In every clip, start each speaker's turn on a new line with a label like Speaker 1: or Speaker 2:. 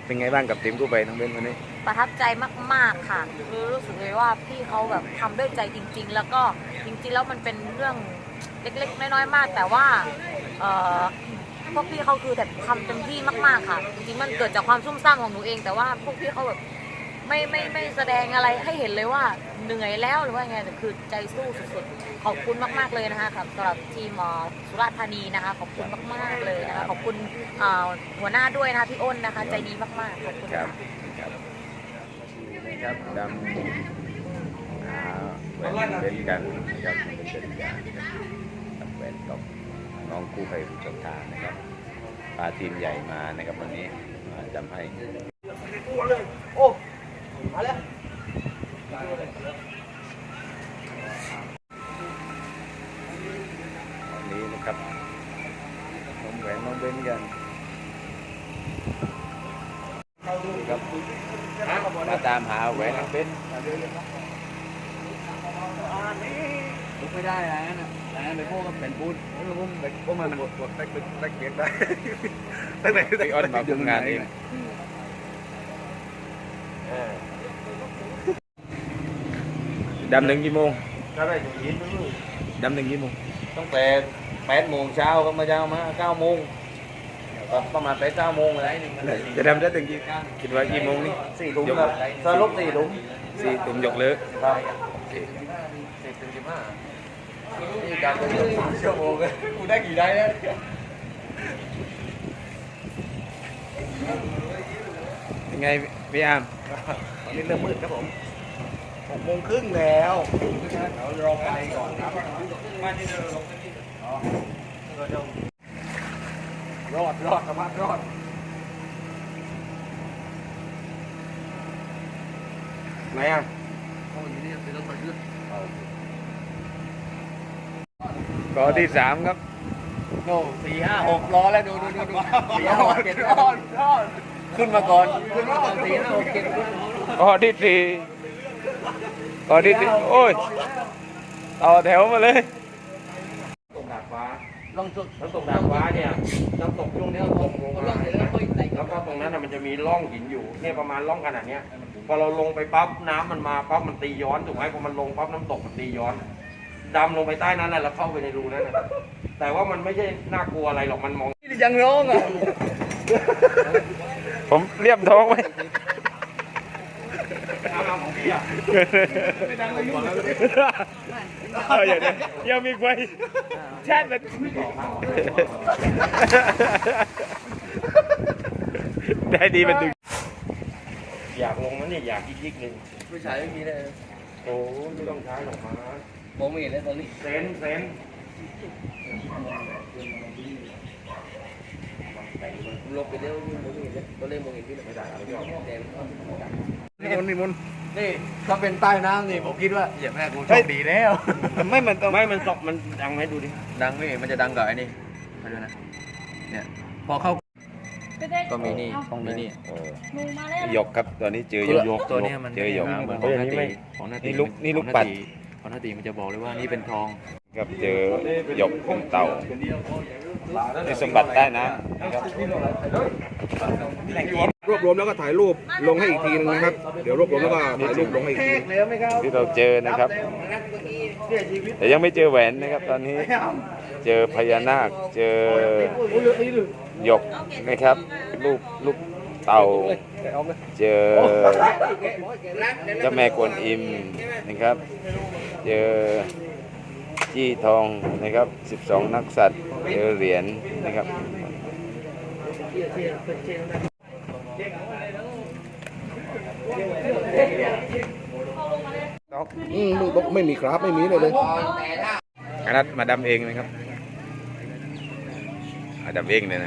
Speaker 1: เป็นไงบ้างกับทีมกู้ภัยน้องเบนวันนี้
Speaker 2: ประทับใจมากๆค่ะคือรู้สึกเลยว่าพี่เขาแบบทำด้วยใจจริงๆแล้วก็จริงๆแล้วมันเป็นเรื่องเล็กๆน้อยๆมากแต่ว่าพวกพี่เขาคือแบบทำเต็มที่มากๆค่ะจริงๆมันเกิดจากความซุ่มซ่ามของหนูเองแต่ว่าพวกพี่เขาแบบไม่แสดงอะไรให้เห็นเลยว่าเหนื่อยแล้วหรือว่าไงแต่คือใจสู้สุดๆขอบคุณมากๆเลยนะคะสำหรับทีมสุราษฎร์ธานีนะคะขอบคุณมากๆเลยนะคะขอบคุณหัวหน้าด้วยนะคะพี่อ้นนะคะใจดีมากๆขอบคุณค่ะ
Speaker 1: ครับดำแหวนเป็นกันนะครับเป็นการแหวนกับน้องกู้ภัยผู้ชมทานนะครับพาทีมใหญ่มานะครับวันนี้มาจำให้โอ้มาแล้ววันนี้นะครับน้องแหวนน้องเบนกันครับมาตามหาแหวนน้องเบน
Speaker 3: ลุกไม่ได้แล้วนะแล้วไปพวกก็เป็นปูนพวกมันกดแตกเกียร์ได้ตั้งแต่
Speaker 1: พี่อ้นมาทำงานเองดำหนึ่งกี่โมงดำหนึ่งกี่โมง
Speaker 3: ตั้งแต่8 โมงเช้าก็มาเช้ามา9 โมงประมาณ9 โมงอะไรนี่
Speaker 1: จะดำได้ถึงกี่คิดว่ากี่โมงนี่
Speaker 3: 4 ทุ่มครับสรุป4 ทุ่ม
Speaker 1: 4 ทุ่มยกเลิก
Speaker 3: ครับ
Speaker 1: โอเค
Speaker 3: 10 ถึง 15นี่การเป็นชั่วโมงกูได้กี่ได้แล้ว
Speaker 1: ยังไงพี่อาร์ม
Speaker 3: ตอนนี้เริ่มมืดครับผม6 โมงครึ่งแล้วเรารอไปก่อนครับมาที่เราลงที่รอดสามารถรอดไหนอ่ะ
Speaker 1: กอที่3ครับ
Speaker 3: โน่4 5 6รอแล้วดู4 5 6 7รอดขึ้นมาก่อน4 5 6 7
Speaker 1: กอที่4โอ้ยต่อแถวมาเลย
Speaker 3: ตกดาดฟ้าลองตกดาดฟ้าเนี่ยน้ำตกช่วงนี้ตกลงมาแล้วก็ตรงนั้นมันจะมีร่องหินอยู่เนี่ยประมาณร่องขนาดนี้พอเราลงไปปั๊บน้ำมันมาปั๊บมันตีย้อนถูกไหมพอมันลงปั๊บน้ำตกมันตีย้อนดำลงไปใต้นั้นแล้วเข้าไปในรูนั้นแต่ว่ามันไม่ใช่น่ากลัวอะไรหรอกมันมองยังร้องอ่ะ
Speaker 1: ผมเรียบท้องไว้
Speaker 3: ของพี่อ่ะไม่ดังเลยยุ่ง
Speaker 1: เลยยังมีไฟแช่มันได้ดีมันดึง
Speaker 3: อยากลงนั่นนี่อยากยิกๆหนึ่ง
Speaker 4: ผู้ชายไม่มีเลย
Speaker 3: โอ้ไม่ต้องใช้หรอกมา
Speaker 4: ผมมีแล้วตอนนี้
Speaker 3: เซน
Speaker 4: ลบไปแล้วนี่ผมมีแล้วตัวเล่มมองเห็นพี่ไม่ได้ไม่ยอมแดง
Speaker 3: นี่มุน
Speaker 4: นี่ถ้าเป็นใต้น้ำนี่ผมคิดว่าอย่าแม่กูโชคดีแล้ว
Speaker 3: มันตกมันดังให้ดูดิ
Speaker 4: ดังนี่มันจะดังกับไอ้นี่มาดูนะเนี่ยพอเข้าก็มีนี่ต้องมีนี่
Speaker 1: หยกครับตัวนี้เจอหยก
Speaker 4: ตัวนี้มัน
Speaker 1: เจอหยก
Speaker 4: ของนาตี
Speaker 1: นี่ลูกปัด
Speaker 4: ของนาตีมันจะบอกเลยว่านี่เป็นทอง
Speaker 1: ครับเจอหยกของเต่าในสมบัติใต้น้ำนะครับ
Speaker 3: รวบรวมแล้วก็ถ่ายรูปลงให้อีกทีนึงนะครับเดี๋ยวรวบรวมแล้วก็ถ่ายรูปลงให้อีกที
Speaker 1: ที่เราเจอนะครับแต่ยังไม่เจอแหวนนะครับตอนนี้เจอพญานาคเจอหยกนะครับลูกเต่าเจอเจ้าแม่กวนอิมนะครับเจอจี้ทองนะครับ12 นักสัตว์เจอเหรียญนะครับ
Speaker 3: ไม่มีครับไม่มีเลย
Speaker 1: อันนั้นมาดำเองนะครับดำเองเลย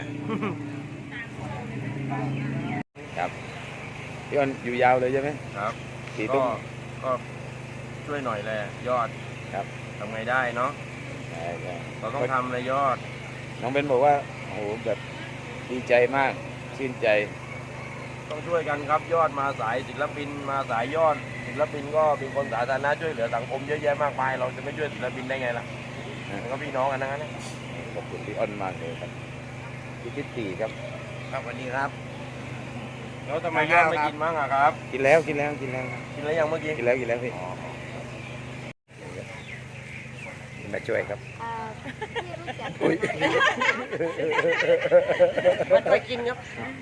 Speaker 1: นะครับพี่อ้นอยู่ยาวเลยใช่ไหม
Speaker 3: ครับก็ช่วยหน่อยแหละยอด
Speaker 1: ครับ
Speaker 3: ทำไงได้เนาะเราต้องทำเลยยอด
Speaker 1: น้องเบนบอกว่าโอ้โหแบบดีใจมากชื่นใจ
Speaker 3: ต้องช่วยกันครับยอดมาสายศิลปินมาสายยอดศิลปินก็เป็นคนสาธารณะช่วยเหลือสังคมเยอะแยะมากมายเราจะไม่ช่วยศิลปินได้ไงล่ะก็พี่น้องกันทั้งนั้น
Speaker 1: ขอบคุณพี่อ้นมากเลยครับพี่คิดตีครับ
Speaker 3: ครับวันนี้ครับแล้วทำไมย่างไม่กินมั้งอะครับ
Speaker 1: กินแล้วกินแล้วกินแล้ว
Speaker 3: กินแล้วยังเมื่อกี้
Speaker 1: กินแล้วกินแล้วพี่มาช่วยครับ
Speaker 2: พี่รู้จัก
Speaker 3: ไปกินครับ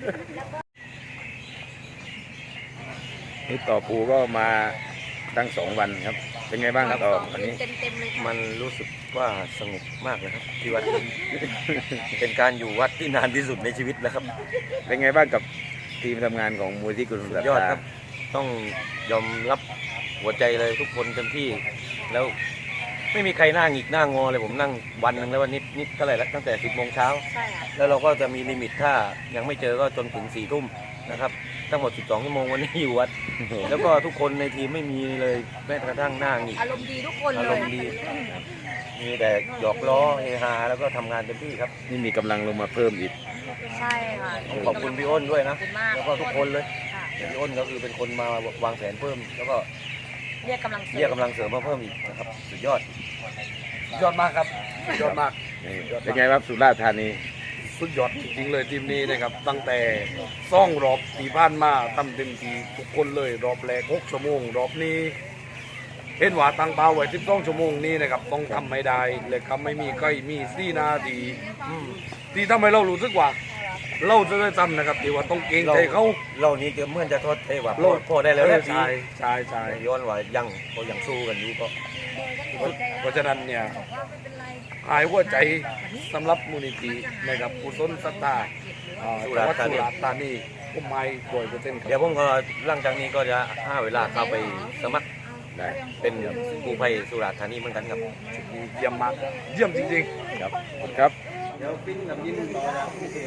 Speaker 1: นี่ต่อปูก็มาตั้ง2 วันครับ เป็นไงบ้างครับต่อวันนี้
Speaker 2: เต็มเลยค่ะ
Speaker 3: มันรู้สึกว่าสงบมากเลยครับที่วัด เป็นการอยู่วัดที่นานที่สุดในชีวิตแล้วครับ
Speaker 1: เป็นไงบ้างกับทีมทำงานของมูลที่กุศลศรัท
Speaker 3: ยอด
Speaker 1: ธา
Speaker 3: ครับ ต้องยอมรับหัวใจเลยทุกคนเต็มที่ แล้วไม่มีใครหน้าหงิกหน้างอเลยผมนั่งวันหนึ่งแล้ววันนิดเท่าไหร่แล้วตั้งแต่ 10 โมงเช้า
Speaker 2: ใช่ค่ะ
Speaker 3: แล้วเราก็จะมีลิมิตถ้ายังไม่เจอก็จนถึง 4 ทุ่มนะครับ ทั้งหมด 12 ชั่วโมงวันนี้อยู่วัด แล้วก็ทุกคนในทีมไม่มีเลยแม้กระทั่งหน้าหงิก
Speaker 2: อารมณ์ดีทุกคน
Speaker 3: อา
Speaker 2: เล
Speaker 3: ร
Speaker 2: ย
Speaker 3: มณ์ดี มีแต่หยอกล้อเฮฮาแล้วก็ทำงานเต็มที่ครับ
Speaker 1: นี่มีกำลังลงมาเพิ่มอีก
Speaker 2: ใช่ค่ะ
Speaker 3: ต้องขอบคุณพี่อ้นด้วย
Speaker 2: ข
Speaker 3: นะ
Speaker 2: อบคุณมาก
Speaker 3: แล้วก็ทุกคนเลย
Speaker 2: ค่ะ
Speaker 3: พี่อ้นก็คือเป็นคนมาวางแผนเพิ่ม แล้วก็
Speaker 2: เรียกกำลังเสริม
Speaker 3: เรียกกำลังเสริมมาเพิ่มอีกนะครับสุดยอด
Speaker 5: ยอดมากครับยอดมาก
Speaker 1: นี่เป็นไงครับสุราษฎร์ธานี
Speaker 5: สุดยอดจริงๆเลยทีมนี้นะครับ ตั้งแต่ซ่องรอบตีผ่านมาทำเต็มที่ทุกคนเลยรอบแรก6 ชั่วโมง รอบนี้เห็นว่าตั้งเป้าไว้12 ชั่วโมงนี้นะครับต้องทำไม่ได้เลยครับไม่มีใครมี4 นาทีที่ทำให้เรารู้สึกว่า เราจะได้ทำนะครับที่ว่าต้องเกรงใจเขา
Speaker 3: เรานี้เกือบเหมื่อนจะโทษเทว่า
Speaker 5: โลด
Speaker 3: พอได้แล้วแหละ
Speaker 5: ใช่ใช่ใช่
Speaker 3: ย้อนว่ายังเขายังสู้กันอยู่ก็
Speaker 5: เพราะฉะนั้นเนี่ยหายหัวใจสำหรับมูลนิธินะครับกุศลศรัทธาจังหวัดสุราษฎร์ธานีผมไม่100%ครับ
Speaker 3: เดี๋ยวผมก็หลังจากนี้ก็จะหาเวลาเข้าไปสมัคร
Speaker 1: ได้
Speaker 3: เป็นกู้ภัยสุราษฎร์ธานีเหมือนกันครับ
Speaker 5: เยี่ยมมากเยี่ยมจริง
Speaker 1: ครับขอบคุณครับ
Speaker 3: เดี๋ยวปิ้นกับยินต่อนะ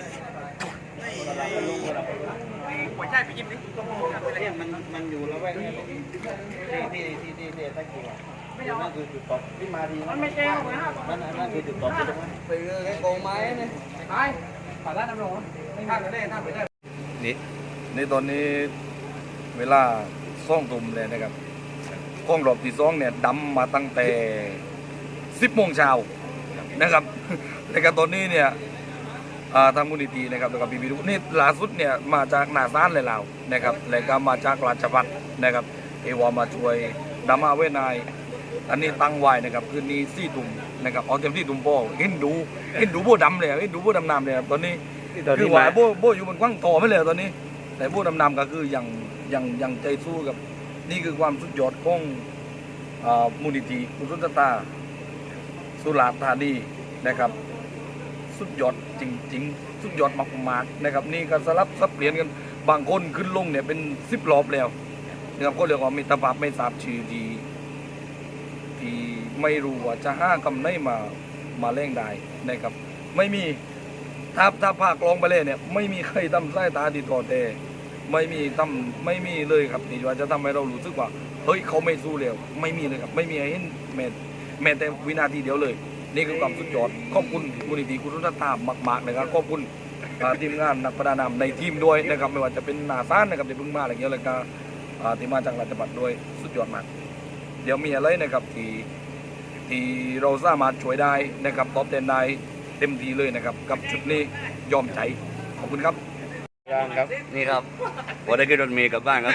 Speaker 4: หัวใจไปยิ้มดิมันอยู่แล้วแวกนี้ที่ตะกี้นั่นคือจุดตกที่มาทีมันไม่แจ้งนั่นคือจุดตกที่ตรงนั้นไปไอ้โกงไม้เนี่ยไปผ่านร้านน้ำร้อนไม่ข้างกันได้ข้างไปได้
Speaker 5: นี่ในตอนนี้เวลาซ่องตุ่มเลยนะครับกล้องรอบที่2เนี่ยดำมาตั้งแต่ 10 โมงเช้านะครับ แล้วก็ตอนนี้เนี่ยทางมูลนิธินะครับแล้วก็พี่ๆทุกคนนี่ล่าสุดเนี่ยมาจากนาซานเลยเรานะครับแล้วก็มาจากราชบัณฑิตนะครับเอวามาช่วยดำมาเวนายอันนี้ตั้งไว้นะครับคืนนี้4 ตุ่มนะครับเอาเต็มที่ตุ่มโป้เห็นดูโบดำเลยเห็นดูโบดำน้ำเลยครับตอนนี้ คือว่าโบอยู่บนกว้างต่อไม่เลยตอนนี้ แต่โบดำๆก็คือยังใจสู้กับนี่คือความสุดยอดของมูลนิธิกุศลศรัทธาสุราษฎร์ธานีนะครับ สุดยอดจริงๆ สุดยอดมากๆนะครับนี่ก็สลับสับเปลี่ยนกันบางคนขึ้นลงเนี่ยเป็น10 รอบแล้วนะครับก็เรียกว่ามิตรภาพไม่ทราบชื่อที่ไม่รู้ว่าจะห้ากำไรมาเล่งได้นะครับไม่มีถ้าภาคลองไปเลยเนี่ยไม่มีใครทำสายตาดีต่อแต่ไม่มีเลยครับที่ว่าจะทำให้เรารู้สึกว่าเฮ้ยเขาไม่สู้แล้วไม่มีเลยครับไม่มีให้เห็นแม้แต่วินาทีเดียวเลย นี่คือความสุดยอดขอบคุณมูลนิธิกุศลศรัทธามากๆนะครับขอบคุณทีมงานนักประดาน้ำในทีมด้วยนะครับไม่ว่าจะเป็นนาซานนะครับที่เพิ่งมาอะไรเงี้ยแล้วก็ที่มาจากราชบัณฑิตด้วยสุดยอดมากเดี๋ยวมีอะไรนะครับที่เราสามารถช่วยได้นะครับตอบแทนได้เต็มที่เลยนะครับกับชุดนี้ยอมใจขอบคุณครับ
Speaker 1: ครับ
Speaker 4: นี่ครับผมได้ขึ้นรถเมล์กลับบ้านครับ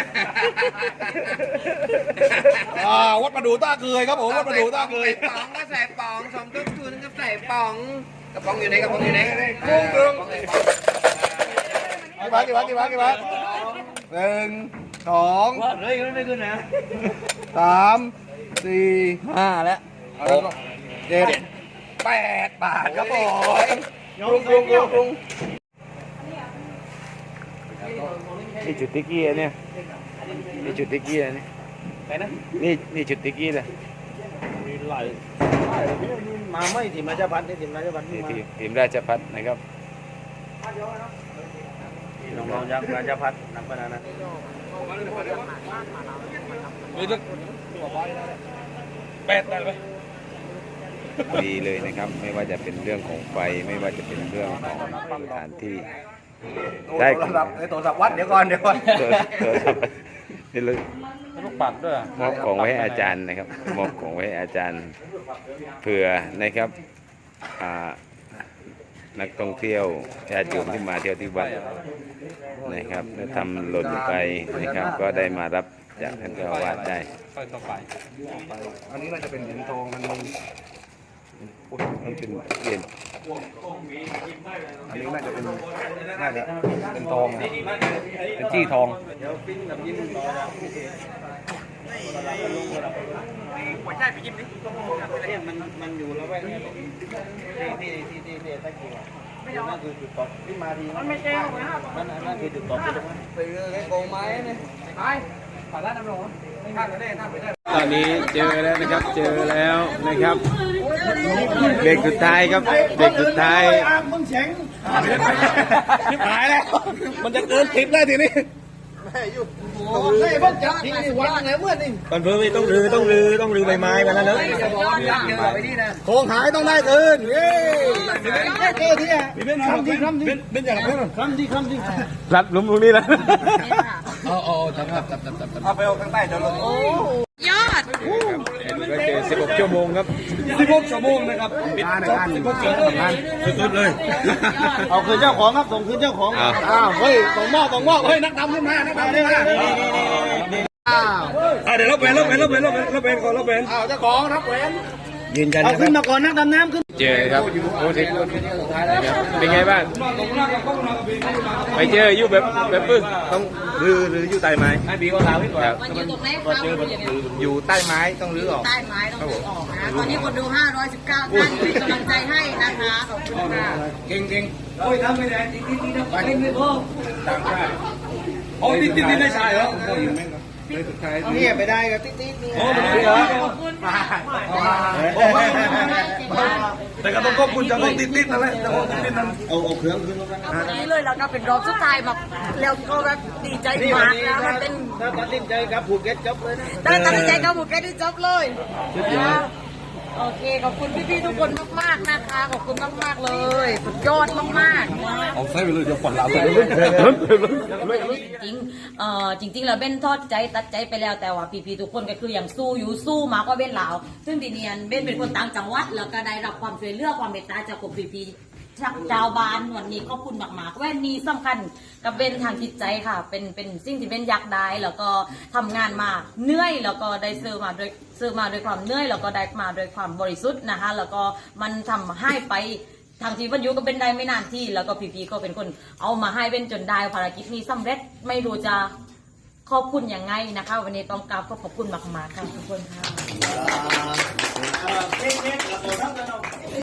Speaker 5: วัดประดูต้าเคยครับผมวัดประดูต้าเคย
Speaker 4: ป๋องก็ใส่ป๋องสมทบทุนก็ใส่ป๋องกระป๋องอยู่ไหนกระป๋องอยู่ไหน
Speaker 5: กุ้งกึ่งกี่บาท1 2
Speaker 4: เฮ้ยไม่ขึ้นนะ
Speaker 5: 3 4
Speaker 4: 5แล้ว
Speaker 5: 7 8 บาทครับผม
Speaker 1: นี่จุดติ๊กกี้เนี่ยนี่จุดติ๊กกี้เนี่ย
Speaker 4: ไปนะ
Speaker 1: นี่จุดติ๊กกี้เลย
Speaker 4: มีหลายมาไม่ทีมราชพัฒน์นี่ทีมราชพัฒน์
Speaker 1: นี่
Speaker 4: มา
Speaker 1: ทีมราชพัฒนะครับ
Speaker 4: น้องๆจากราชพัฒน์นักพนันนะ
Speaker 5: นี่จะ8ได้ไหม
Speaker 1: ดีเลยนะครับ ไม่ว่าจะเป็นเรื่องของไฟไม่ว่าจะเป็นเรื่องของสถานที่ได้
Speaker 5: โทรศัพท์โทรศัพท์วัดเดี๋ยวก่อน
Speaker 1: เกิดนี่เลย
Speaker 4: ลูกปัดด้วย
Speaker 1: มอบของไว้ให้อาจารย์นะครับมอบของไว้ให้อาจารย์เผื่อนะครับนักท่องเที่ยวญาติโยมที่มาเที่ยวที่วัดนะครับแล้วทำหล่นลงไปนะครับ ก็ได้มารับจากท่านเจ้าอาวาสได้
Speaker 5: อันนี้น่าจะเป็นเหรียญทองอันนี้
Speaker 1: มันเป็นเหรียญ
Speaker 5: อันนี้น่าจะเป็นทองนะเป็นจี้ทอง
Speaker 4: หัวใจไปยิ้มดิเนี่ยมันอยู่แล้วแวกนี้ที่ตะกี้นั่นคือจุดตกที่มาทีมันไม่แจ้งนั่นคือจุดตกที่ตรงนั้นไปเลยโกงไม้เนี่ยไปผ่านร้านน้ำร้อนไม่ข้ามกันได้ข้ามไปได้
Speaker 1: ตอนนี้เจอแล้วนะครับเจอแล้วนะครับเด็กสุดท้ายครับเด็กสุดท้าย
Speaker 4: มึงเฉง
Speaker 5: หายแล้ว มันจะเกิน10แล้วทีนี้
Speaker 4: โอ้ยเพิ่งจับทีวันไหนเมื่อนี่
Speaker 5: มันเพิ่มต้องรื้อใบไม้มาแล้วเนอะโครงหายต้องได้เกินเย้
Speaker 4: เจอที่อ่ะคำที่
Speaker 5: เป็นอย่างนั้น
Speaker 4: คำที่
Speaker 1: รัดหลุมตรงนี้แล้ว
Speaker 5: จับเอาไปเอาข้างใต้จะลง
Speaker 2: ยอด
Speaker 1: ก็เจอ16 ชั่วโมงครับ
Speaker 5: 16 ชั่วโมงนะครับปิดจบ16 ชั่วโมงสุดๆเลย
Speaker 4: เอาคืนเจ้าของครับส่งคืนเจ้าของอ้าวเฮ้ยส่งมอบเฮ้ยนักดำขึ้นมา
Speaker 5: เดี๋ยวรับแหวนก่อนรับแหวน
Speaker 4: อ้าวเจ้าของรับแหวน
Speaker 5: ยืนยัน
Speaker 4: เอาขึ้นมาก่อนนักดำน้ำขึ้น
Speaker 1: เจอครับโอ้ถึงเป็นไงบ้างไปเจออยู่แบบปึ้ง
Speaker 5: ต้องรื้ออยู่ใต้ไม้ให้บีก็ลาไว้ก่อน
Speaker 2: มันอยู่ตรงไหนครับ
Speaker 5: อยู่ใต้ไม้ต้องรื้อออก
Speaker 2: ใต้ไม้ต้องดูออกนะตอนนี้คนดู 519 ท่านเป็นกำลังใจให้นะคะขอบคุณค่ะ
Speaker 5: เก่งโอ้ยทำไม่ได้ติดนะไปเล่นไม่พอต่างชาติโอ้ติดได้ชายเหรอโอ้ยแม่งเลยสุดท้าย
Speaker 4: เนี่ยไปได้กับติ๊ดนี่
Speaker 5: โอ้ไม่เหรอแต่ก็ต้องขอบคุณเจ้าของติดนั่นแหละเจ้าของติดนั่น
Speaker 4: เอาเครื่องขึ้นมา
Speaker 2: เอาวันนี้เลยแล้วก็เป็นรอบสุดท้ายมาแล้วก็แบบดีใจมากนะมันเป็น
Speaker 4: ถ้าตัดสินใจกับภูเก็ตจบเลยนะ
Speaker 2: ได้ตัดสินใจกับบุกแกที่จบเลยนะโอเคขอบคุณพี่ๆทุกคนมากๆนะคะขอบคุณมากๆเลยสุดยอดมากๆ
Speaker 5: เอาใส่ไปเลยเดี๋ยวฝันลาไปเลย
Speaker 2: จริงๆแล้วเบ้นทอดใจตัดใจไปแล้วแต่ว่าพี่ๆทุกคนก็คืออย่างสู้อยู่สู้มากกว่าเบ้นลาวซึ่งทีเนียนเบ้นเป็นคนต่างจังหวัดแล้วก็ได้รับความช่วยเหลือความเมตตาจากกลุ่มพี่ๆชาวบ้านวันนี้ขอบคุณมากๆแว่นนี้สำคัญกับเบ้นทางจิตใจค่ะเป็นสิ่งที่เบ้นอยากได้แล้วก็ทำงานมาเหนื่อยแล้วก็ได้ซื้อมาด้วยความเหนื่อยแล้วก็ได้มาด้วยความบริสุทธิ์นะคะแล้วก็มันทำให้ไป ทางทีวันยุก็เป็นได้ไม่นานที่แล้วก็พีก็เป็นคนเอามาให้เป็นจนได้ภารกิจนี้สำเร็จไม่รู้จะขอบคุณยังไงนะคะ วันนี้ต้องกราบขอบคุณมากๆค่ะทุกคนค่ะ